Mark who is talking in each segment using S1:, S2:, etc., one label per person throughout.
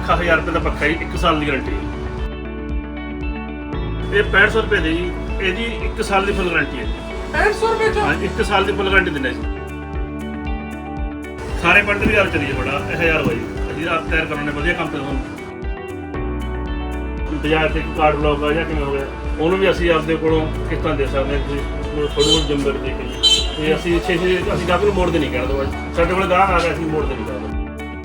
S1: ਪੱਖਾ 1000 ਰੁਪਏ ਦਾ ਪੱਖਾ ਜੀ 1 ਸਾਲ ਦੀ ਗਾਰੰਟੀ ਹੈ। ਇਹ 6500 ਰੁਪਏ ਦੀ ਜੀ, ਇਹਦੀ 1 ਸਾਲ ਦੀ ਫੁੱਲ ਗਾਰੰਟੀ ਹੈ ਜੀ।
S2: 6500 ਰੁਪਏ ਚ?
S1: ਹਾਂ, 1 ਸਾਲ ਦੀ ਫੁੱਲ ਗਾਰੰਟੀ ਦਿੰਦੇ ਜੀ। ਸਾਰੇ ਪਿੰਡ ਵੀ ਯਾਰ ਚਲੀ ਜੀ ਬੜਾ 1000 ਹੋਈ ਅਸੀਂ ਆਪ ਤਿਆਰ ਕਰਾਉਣੇ ਵਧੀਆ ਕੰਮ ਤੇ ਹੁਣ ਬਾਜ਼ਾਰ ਤੇ ਕਾਰਡ ਬਲੌਕ ਆ ਜਾਂ ਕਿਵੇਂ ਹੋ ਗਿਆ ਉਹਨੂੰ ਵੀ ਅਸੀਂ ਆਪਦੇ ਕੋਲੋਂ ਕਿਸ਼ਤਾਂ ਦੇ ਸਕਦੇ ਹਾਂ। ਤੁਸੀਂ ਥੋੜੀ ਬਹੁਤ ਜ਼ਿੰਮੇਵਾਰੀ ਦੇ ਕੇ ਜੀ ਤੇ ਅਸੀਂ ਅਸੀਂ ਗਾਹਕ ਨੂੰ ਮੋੜਦੇ ਨਹੀਂ ਕਹਿਣਾ ਦੋ ਸਾਡੇ ਕੋਲ ਗਾਹਕ ਆ ਗਿਆ ਅਸੀਂ ਮੋੜਦੇ ਨਹੀਂ ਕਹਿਣਾ।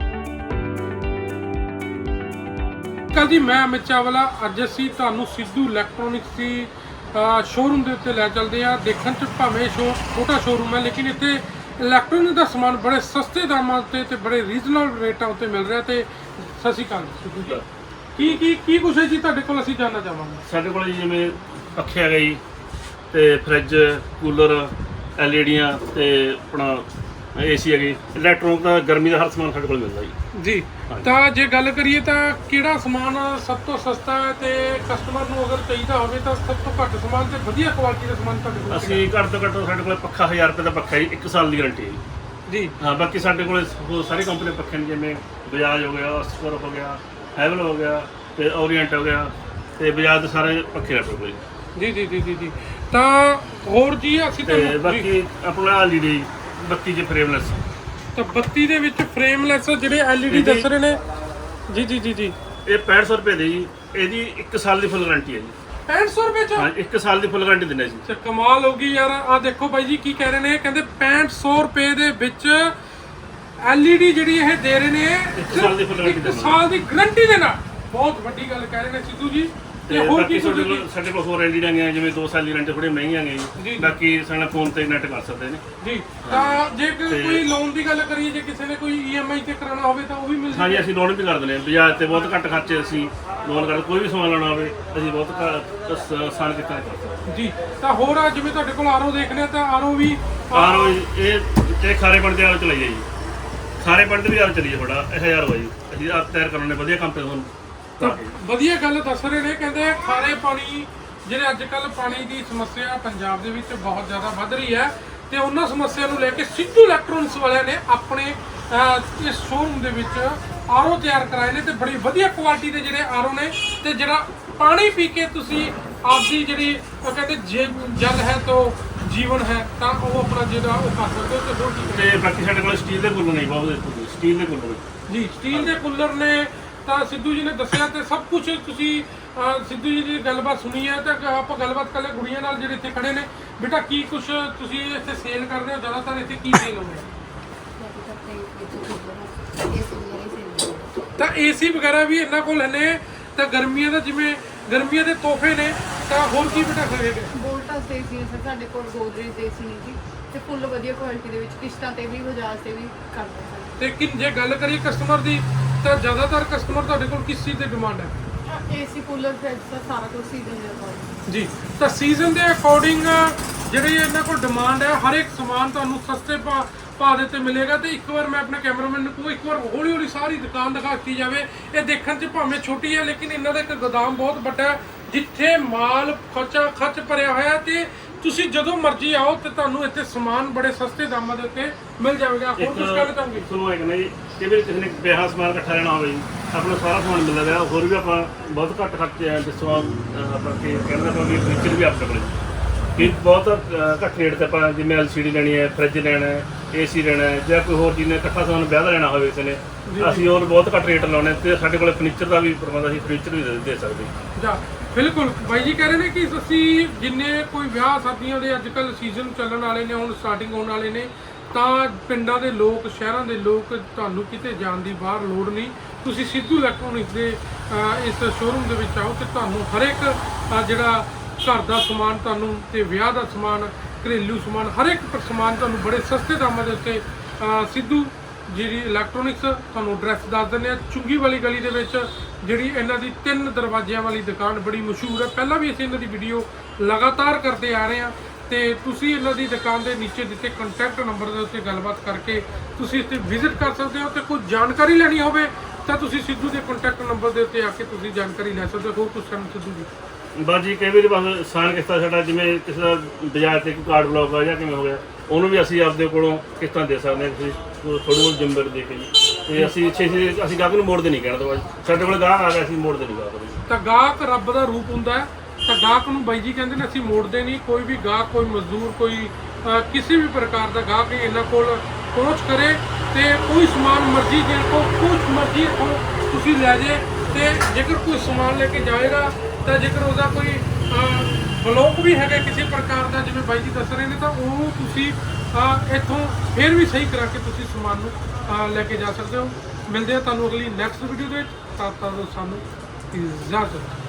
S2: ਕੱਲ ਜੀ ਮੈਂ ਅਮਿਤ ਚਾਵਲਾ ਅੱਜ ਅਸੀਂ ਤੁਹਾਨੂੰ ਸਿੱਧੂ ਇਲੈਕਟ੍ਰੋਨਿਕਸ ਦੀ ਸ਼ੋਰੂਮ ਦੇ ਉੱਤੇ ਲੈ ਚੱਲਦੇ ਆ। ਦੇਖਣ 'ਚ ਭਾਵੇਂ ਛੋਟਾ ਸ਼ੋਰੂਮ ਹੈ ਲੇਕਿਨ ਇੱਥੇ ਇਲੈਕਟ੍ਰੋਨਿਕ ਦਾ ਸਮਾਨ ਬੜੇ ਸਸਤੇ ਦਾਮਾਂ ਉੱਤੇ ਤੇ ਬੜੇ ਰੀਜ਼ਨਲ ਰੇਟਾਂ ਉੱਤੇ ਮਿਲ ਰਿਹਾ। ਤੇ ਸਤਿ ਸ਼੍ਰੀ ਅਕਾਲ ਸਿੱਧੂ ਜੀ, ਕੀ ਕੁਛ ਹੈ ਜੀ ਤੁਹਾਡੇ ਕੋਲ ਅਸੀਂ ਜਾਣਨਾ ਚਾਹਾਂਗੇ?
S1: ਸਾਡੇ ਕੋਲ ਜਿਵੇਂ ਪੱਖੇ ਆ ਗਏ ਜੀ ਤੇ ਫਰਿੱਜ ਕੂਲਰ ਐਲਈਡੀਆਂ ਤੇ ਆਪਣਾ ਏਸੀ ਹੈਗੀ ਇਲੈਕਟ੍ਰੋਨਿਕ ਦਾ ਗਰਮੀ ਦਾ ਹਰ ਸਮਾਨ ਸਾਡੇ ਕੋਲ ਮਿਲਦਾ ਜੀ।
S2: ਤਾਂ ਜੇ ਗੱਲ ਕਰੀਏ ਤਾਂ ਕਿਹੜਾ ਸਮਾਨ ਸਭ ਤੋਂ ਸਸਤਾ ਹੈ ਤੇ ਕਸਟਮਰ ਨੂੰ ਅਗਰ ਚਾਹੀਦਾ ਹੋਵੇ ਤਾਂ ਸਭ ਤੋਂ ਘੱਟ ਸਮਾਨ ਤੇ ਵਧੀਆ ਕੁਆਲਿਟੀ ਦਾ ਸਮਾਨ ਤੁਹਾਡੇ ਕੋਲ?
S1: ਅਸੀਂ ਘੱਟ ਤੋਂ ਘੱਟ ਸਾਡੇ ਕੋਲ ਪੱਖਾ 1000 ਰੁਪਏ ਦਾ ਪੱਖਾ ਜੀ 1 ਸਾਲ ਦੀ ਗਾਰੰਟੀ ਹੈ
S2: ਜੀ।
S1: ਹਾਂ, ਬਾਕੀ ਸਾਡੇ ਕੋਲ ਸਾਰੀ ਕੰਪਨੀ ਪੱਖੇ ਨੇ ਜਿਵੇਂ ਬਜਾਜ ਹੋ ਗਿਆ, ਆਸਕਰ ਹੋ ਗਿਆ, ਹੈਵਲ ਹੋ ਗਿਆ ਤੇ ਓਰੀਐਂਟ ਹੋ ਗਿਆ ਤੇ ਬਜਾਜ ਦੇ ਸਾਰੇ ਪੱਖੇ ਰੱਖੋ ਕੋਈ
S2: ਜੀ। ਤਾਂ ਹੋਰ ਜੀ ਅਸੀਂ
S1: ਤੇ ਬਾਕੀ ਆਪਣਾ ਐਲਈਡੀ 32 ਚ ਫਰੇਮਲੈਸ
S2: ਤਾਂ 32 ਦੇ ਵਿੱਚ ਫਰੇਮਲੈਸ ਜਿਹੜੇ ਐਲਈਡੀ ਦੱਸ ਰਹੇ ਨੇ ਜੀ।
S1: ਇਹ 6500 ਰੁਪਏ ਦੀ ਜੀ, ਇਹਦੀ 1 ਸਾਲ ਦੀ ਫੁੱਲ ਗਾਰੰਟੀ ਹੈ ਜੀ।
S2: 6500 ਰੁਪਏ ਚ?
S1: ਹਾਂ, 1 ਸਾਲ ਦੀ ਫੁੱਲ ਗਾਰੰਟੀ ਦਿੰਦੇ ਜੀ।
S2: ਤੇ ਕਮਾਲ ਹੋ ਗਈ ਯਾਰ। ਆ ਦੇਖੋ ਬਾਈ ਜੀ ਕੀ ਕਹਿ ਰਹੇ ਨੇ, ਕਹਿੰਦੇ 6500 ਰੁਪਏ ਦੇ ਵਿੱਚ ਐਲਈਡੀ ਜਿਹੜੀ ਇਹ ਦੇ ਰਹੇ ਨੇ
S1: 1 ਸਾਲ ਦੀ ਫੁੱਲ ਗਾਰੰਟੀ
S2: 1 ਸਾਲ ਦੀ ਗਾਰੰਟੀ ਦੇ ਨਾਲ। ਬਹੁਤ ਵੱਡੀ ਗੱਲ ਕਹਿ ਰਹੇ ਨੇ ਸਿੱਧੂ ਜੀ।
S1: ਤੇ ਹੋਰ ਕੀ ਸਾਡੇ ਕੋਲ ਹੋਰ ਐਲਈਡੀਆਂ ਗਈਆਂ ਜਿਵੇਂ 2 ਸਾਲ ਦੀ ਗਾਰੰਟੀ ਥੋੜੀ ਮਹਿੰਗੀਆਂ ਗਈਆਂ ਜੀ। ਬਾਕੀ ਸਾਡੇ ਫੋਨ ਤੇ ਨੈਟ ਕਰ ਸਕਦੇ ਨੇ ਜੀ।
S2: ਤਾਂ ਜੇ ਕੋਈ ਲੋਨ ਦੀ ਗੱਲ ਕਰੀਏ, ਜੇ ਕਿਸੇ ਨੇ ਕੋਈ ਈਐਮਆਈ ਤੇ ਕਰਾਉਣਾ ਹੋਵੇ ਤਾਂ ਉਹ ਵੀ ਮਿਲ ਜਾਂਦਾ?
S1: ਹਾਂਜੀ, ਅਸੀਂ ਲੋਨ ਵੀ ਕਰ ਦਿੰਦੇ ਹਾਂ ਬਾਜ਼ਾਰ ਤੇ ਬਹੁਤ ਘੱਟ ਖਰਚੇ ਅਸੀਂ ਲੋਨ ਕਰਦੇ। ਕੋਈ ਵੀ ਸਮਾਨ ਲੈਣਾ ਹੋਵੇ ਅਸੀਂ ਬਹੁਤ ਆਸਾਨ ਕੀਤਾ ਕਰ ਸਕਦੇ
S2: ਜੀ। ਤਾਂ ਹੋਰ ਆ ਜਿਵੇਂ ਤੁਹਾਡੇ ਕੋਲ ਆਰਓ ਦੇਖਦੇ ਆ ਤਾਂ ਆਰਓ ਵੀ
S1: ਆਰਓ ਇਹ ਤੇ ਖਾਰੇ ਪਿੰਡ ਦੇ ਆਰਓ ਚਲਾਈ ਜਾਈ ਸਾਰੇ ਪਿੰਡ ਦੇ ਵੀ ਆਰਓ ਚਲੀ ਬੜਾ 1000 ਹੋਈ ਅਸੀਂ ਆਪ ਤਿਆਰ ਕਰਾਉਣੇ ਵਧੀਆ ਕੰਮ ਤੇ ਹੁਣ
S2: ਵਧੀਆ ਗੱਲ ਦੱਸ ਰਹੇ ਨੇ। ਕਹਿੰਦੇ ਖਾਰੇ ਪਾਣੀ ਜਿਹੜੇ ਅੱਜ ਕੱਲ ਪਾਣੀ ਦੀ ਸਮੱਸਿਆ ਪੰਜਾਬ ਦੇ ਵਿੱਚ ਬਹੁਤ ਜ਼ਿਆਦਾ ਵੱਧ ਰਹੀ ਹੈ ਤੇ ਉਹਨਾਂ ਸਮੱਸਿਆ ਨੂੰ ਲੈ ਕੇ ਸਿੱਧੂ ਇਲੈਕਟ੍ਰੋਨਿਕਸ ਵਾਲਿਆਂ ਨੇ ਆਪਣੇ ਇਸ ਸ਼ੋਰੂਮ ਦੇ ਵਿੱਚ ਆਰਓ ਤਿਆਰ ਕਰਾਏ ਨੇ ਤੇ ਬੜੀ ਵਧੀਆ ਕੁਆਲਿਟੀ ਦੇ ਜਿਹੜੇ ਆਰਓ ਨੇ ਤੇ ਜਿਹੜਾ ਪਾਣੀ ਪੀ ਕੇ ਤੁਸੀਂ ਆਪਦੀ ਜਿਹੜੀ ਕਹਿੰਦੇ ਜਲ ਹੈ ਤਾਂ ਜੀਵਨ ਹੈ ਤਾਂ ਉਹ ਆਪਣਾ ਜਿਹੜਾ ਉਹ ਕਰ ਸਕਦੇ ਹੋ। ਤੇ ਹੋਰ ਕੀ
S1: ਤੇ ਬਾਕੀ ਸਾਡੇ ਕੋਲ ਸਟੀਲ ਦੇ ਕੂਲਰ ਨਹੀਂ ਬਹੁਤ ਸਟੀਲ ਦੇ ਕੂਲਰ
S2: ਜੀ। ਸਟੀਲ ਦੇ ਕੂਲਰ ਨੇ ਤਾਂ ਸਿੱਧੂ ਜੀ ਨੇ ਦੱਸਿਆ ਤੇ ਸਭ ਕੁਝ ਤੁਸੀਂ ਸਿੱਧੂ ਜੀ ਦੀ ਗੱਲਬਾਤ ਸੁਣੀ ਹੈ। ਤਾਂ ਆਪਾਂ ਗੱਲਬਾਤ ਕਰ ਲੈ ਕੁੜੀਆਂ ਨਾਲ ਜਿਹੜੇ ਇੱਥੇ ਖੜੇ ਨੇ। ਬੇਟਾ ਕੀ ਕੁਝ ਤੁਸੀਂ ਇੱਥੇ ਸੇਲ ਕਰਦੇ ਹੋ? ਜ਼ਿਆਦਾਤਰ ਇੱਥੇ ਕੀ ਸੇਲ ਹੋ ਰਿਹਾ? ਤਾਂ ਏਸੀ ਵਗੈਰਾ ਵੀ ਇਹਨਾਂ ਕੋਲ ਨੇ। ਤਾਂ ਗਰਮੀਆਂ ਦਾ ਜਿਵੇਂ ਗਰਮੀਆਂ ਦੇ ਤੋਹਫੇ ਨੇ ਤਾਂ ਹੋਰ ਕੀ ਬੇਟਾ ਖਰੀਦੇ?
S3: ਵੋਲਟਾਸ ਦੇ ਏਸੀ ਸਰ ਸਾਡੇ ਕੋਲ ਗੋਦਰੇਜ ਦੇ ਏਸੀ ਨੇ ਜੀ ਤੇ ਫੁੱਲ ਵਧੀਆ ਕੁਆਲਿਟੀ ਦੇ ਵਿੱਚ ਕਿਸ਼ਤਾਂ ਤੇ ਵੀ ਬਜਾਜ ਤੇ ਵੀ ਕਰਦੇ ਸਰ।
S2: ਤੇ ਜੇ ਗੱਲ ਕਰੀਏ ਕਸਟਮਰ ਦੀ ਤਾਂ ਜ਼ਿਆਦਾਤਰ ਕਸਟਮਰ ਤੁਹਾਡੇ ਕੋਲ ਕਿਸ ਚੀਜ਼ ਦੀ ਡਿਮਾਂਡ ਹੈ?
S3: ਏਸੀ ਕੂਲਰ ਫ੍ਰਿਜ ਦਾ ਸਾਰਾ ਕੁਝ ਸੀਜ਼ਨ ਦੇ ਅਕੋਰਡਿੰਗ
S2: ਜੀ। ਤਾਂ ਸੀਜ਼ਨ ਦੇ ਅਕੋਰਡਿੰਗ ਜਿਹੜੀ ਇਹਨਾਂ ਕੋਲ ਡਿਮਾਂਡ ਹੈ ਹਰ ਇੱਕ ਸਮਾਨ ਤੁਹਾਨੂੰ ਸਸਤੇ ਭਾਅ ਦੇ ਉੱਤੇ ਮਿਲੇਗਾ। ਤੇ ਇੱਕ ਵਾਰ ਮੈਂ ਆਪਣੇ ਕੈਮਰਾਮੈਨ ਨੂੰ ਇੱਕ ਵਾਰ ਹੌਲੀ ਹੌਲੀ ਸਾਰੀ ਦੁਕਾਨ ਦਿਖਾ ਦਿੱਤੀ ਜਾਵੇ। ਇਹ ਦੇਖਣ 'ਚ ਭਾਵੇਂ ਛੋਟੀ ਹੈ ਲੇਕਿਨ ਇਹਨਾਂ ਦਾ ਇੱਕ ਗੋਦਾਮ ਬਹੁਤ ਵੱਡਾ ਹੈ ਜਿੱਥੇ ਮਾਲ ਖੱਚ ਭਰਿਆ ਹੋਇਆ ਤੇ ਤੁਸੀਂ ਜਦੋਂ ਮਰਜ਼ੀ ਆਓ ਤੇ ਤੁਹਾਨੂੰ ਇੱਥੇ ਸਮਾਨ ਬੜੇ ਸਸਤੇ ਦਾਮਾਂ ਦੇ ਉੱਤੇ ਮਿਲ ਜਾਵੇਗਾ। ਹੋਰ ਕੁਝ ਕਹਿਣਾ ਚਾਹੋਗੇ?
S1: ਸੁਣੋ ਇੱਕ ਨਹੀਂ ਕਿ ਵੀ ਕਿਸੇ ਨੇ ਵਿਆਹ ਸਮਾਨ ਇਕੱਠਾ ਲੈਣਾ ਹੋਵੇ ਆਪਣਾ ਸਾਰਾ ਸਮਾਨ ਮਿਲਦਾ ਰਿਹਾ। ਹੋਰ ਵੀ ਆਪਾਂ ਬਹੁਤ ਘੱਟ ਖਰਚੇ ਆ ਜਿਸ ਤਰ੍ਹਾਂ ਆਪਾਂ ਕੀ ਕਹਿੰਦੇ ਆਪਾਂ ਵੀ ਫੀਚਰ ਵੀ ਆਪਣੇ ਕੋਲ ਵੀ ਬਹੁਤ ਘੱਟ ਰੇਟ ਤੇ ਆਪਾਂ ਜਿਵੇਂ ਐਲਸੀਡੀ ਲੈਣੀ ਹੈ, ਫਰਿੱਜ ਲੈਣਾ ਹੈ, ਏਸੀ ਲੈਣਾ ਹੈ ਜਾਂ ਕੋਈ ਹੋਰ ਚੀਜ਼ ਨੇ ਇਕੱਠਾ ਸਮਾਨ ਵਿਆਹ ਦਾ ਲੈਣਾ ਹੋਵੇ ਕਿਸੇ ਨੇ ਅਸੀਂ ਹੋਰ ਬਹੁਤ ਘੱਟ ਰੇਟ ਲਾਉਣੇ ਤੇ ਸਾਡੇ ਕੋਲ ਫਰਨੀਚਰ ਦਾ ਵੀ ਪ੍ਰਬੰਧ ਅਸੀਂ ਫਰਨੀਚਰ ਵੀ ਦੇ ਸਕਦੇ
S2: ਜਾਂ ਬਿਲਕੁਲ ਬਾਈ ਜੀ ਕਹਿ ਰਹੇ ਨੇ ਕਿ ਅਸੀਂ ਜਿੰਨੇ ਕੋਈ ਵਿਆਹ ਸ਼ਾਦੀਆਂ ਦੇ ਅੱਜ ਕੱਲ੍ਹ ਸੀਜ਼ਨ ਚੱਲਣ ਵਾਲੇ ਨੇ ਹੁਣ ਸਟਾਰਟਿੰਗ ਹੋਣ ਵਾਲੇ ਨੇ ਤਾਂ ਪਿੰਡਾਂ ਦੇ ਲੋਕ ਸ਼ਹਿਰਾਂ ਦੇ ਲੋਕ ਤੁਹਾਨੂੰ ਕਿਤੇ ਜਾਣ ਦੀ ਬਾਹਰ ਲੋੜ ਨਹੀਂ। ਤੁਸੀਂ ਸਿੱਧੂ ਇਲੈਕਟ੍ਰੋਨਿਕਸ ਦੇ ਇਸ ਸ਼ੋਰੂਮ ਦੇ ਵਿੱਚ ਆਓ ਤੇ ਤੁਹਾਨੂੰ ਹਰ ਇੱਕ ਜਿਹੜਾ ਘਰ ਦਾ ਸਮਾਨ ਤੁਹਾਨੂੰ ਤੇ ਵਿਆਹ ਦਾ ਸਮਾਨ ਘਰੇਲੂ ਸਮਾਨ ਹਰ ਇੱਕ ਸਮਾਨ ਤੁਹਾਨੂੰ ਬੜੇ ਸਸਤੇ ਦਾਮਾਂ ਦੇ ਉੱਤੇ ਸਿੱਧੂ ਜਿਹੜੀ ਇਲੈਕਟ੍ਰੋਨਿਕਸ ਤੁਹਾਨੂੰ ਐਡਰੈਸ ਦੱਸ ਦਿੰਦੇ ਆ। ਚੁੰਗੀ ਵਾਲੀ ਗਲੀ ਦੇ ਵਿੱਚ ਜਿਹੜੀ ਇਹਨਾਂ ਦੀ 3 ਦਰਵਾਜ਼ਿਆਂ ਵਾਲੀ ਦੁਕਾਨ ਬੜੀ ਮਸ਼ਹੂਰ ਹੈ। ਪਹਿਲਾਂ ਵੀ ਅਸੀਂ ਇਹਨਾਂ ਦੀ ਵੀਡੀਓ ਲਗਾਤਾਰ ਕਰਦੇ ਆ ਰਹੇ ਹਾਂ ਤੇ ਤੁਸੀਂ ਇਹਨਾਂ ਦੀ ਦੁਕਾਨ ਦੇ ਨੀਚੇ ਦਿੱਤੇ ਕੰਟੈਕਟ ਨੰਬਰ ਦੇ ਉੱਤੇ ਗੱਲਬਾਤ ਕਰਕੇ ਤੁਸੀਂ ਇੱਥੇ ਵਿਜ਼ਿਟ ਕਰ ਸਕਦੇ ਹੋ ਤੇ ਕੋਈ ਜਾਣਕਾਰੀ ਲੈਣੀ ਹੋਵੇ ਤਾਂ ਤੁਸੀਂ ਸਿੱਧੂ ਦੇ ਕੰਟੈਕਟ ਨੰਬਰ ਦੇ ਉੱਤੇ ਆ ਕੇ ਤੁਸੀਂ ਜਾਣਕਾਰੀ ਲੈ ਸਕਦੇ ਹੋ। ਹੋਰ ਕੁਝ ਸਾਨੂੰ ਸਿੱਧੂ ਜੀ
S1: ਬਸ ਜੀ ਕਈ ਵਾਰੀ ਬਸ ਆਸਾਨ ਕਿਸ਼ਤਾਂ ਸਾਡਾ ਜਿਵੇਂ ਕਿਸੇ ਦਾ ਬਾਜ਼ਾਰ ਤੇ ਕੋਈ ਕਾਰਡ ਬਲੌਕ ਆ ਜਾਂ ਕਿਵੇਂ ਹੋ ਗਿਆ ਉਹਨੂੰ ਵੀ ਅਸੀਂ ਆਪਦੇ ਕੋਲੋਂ ਕਿਸ਼ਤਾਂ ਦੇ ਸਕਦੇ ਹਾਂ। ਤੁਸੀਂ ਥੋੜੀ ਬਹੁਤ ਜ਼ਿੰਮੇਵਾਰੀ ਦੇ ਕੇ ਜੀ ਤੇ ਅਸੀਂ ਅਸੀਂ ਗਾਹਕ ਨੂੰ ਮੋੜਦੇ ਨਹੀਂ ਕਹਿਣਾ ਤੋਂ ਸਾਡੇ ਕੋਲ ਗਾਹਕ ਆ ਗਿਆ ਅਸੀਂ ਮੋੜਦੇ ਨਹੀਂ ਗਾਹਕ ਨੂੰ।
S2: ਤਾਂ ਗਾਹਕ ਰੱਬ ਦਾ ਰੂਪ ਹੁੰਦਾ ਹੈ, ਤਾਂ ਗਾਹਕ ਨੂੰ ਬਾਈ ਜੀ ਕਹਿੰਦੇ ਨੇ ਅਸੀਂ ਮੋੜਦੇ ਨਹੀਂ। ਕੋਈ ਵੀ ਗਾਹਕ, ਕੋਈ ਮਜ਼ਦੂਰ, ਕੋਈ ਕਿਸੇ ਵੀ ਪ੍ਰਕਾਰ ਦਾ ਗਾਹਕ ਇਹਨਾਂ ਕੋਲ ਪਹੁੰਚ ਕਰੇ ਤੇ ਕੋਈ ਸਮਾਨ ਮਰਜ਼ੀ ਦੇ ਕੋ ਕੁਛ ਮਰਜ਼ੀ ਤੁਸੀਂ ਲੈ ਜੇ। ਤੇ ਜੇਕਰ ਕੋਈ ਸਮਾਨ ਲੈ ਕੇ ਜਾਏਗਾ ਤਾਂ ਜੇਕਰ ਉਹਦਾ ਕੋਈ ਬਲੌਕ ਵੀ ਹੈਗਾ ਕਿਸੇ ਪ੍ਰਕਾਰ ਦਾ, ਜਿਵੇਂ ਬਾਈ ਜੀ ਦੱਸ ਰਹੇ ਨੇ, ਤਾਂ ਉਹ ਤੁਸੀਂ ਇੱਥੋਂ ਫਿਰ ਵੀ ਸਹੀ ਕਰਾ ਕੇ ਤੁਸੀਂ ਸਮਾਨ ਨੂੰ ਲੈ ਕੇ ਜਾ ਸਕਦੇ ਹੋ। ਮਿਲਦੇ ਆ ਤੁਹਾਨੂੰ ਅਗਲੀ ਨੈਕਸਟ ਵੀਡੀਓ ਦੇ ਵਿੱਚ। ਤਦ ਤੱਕ ਸਾਨੂੰ ਇਜਾਜ਼ਤ।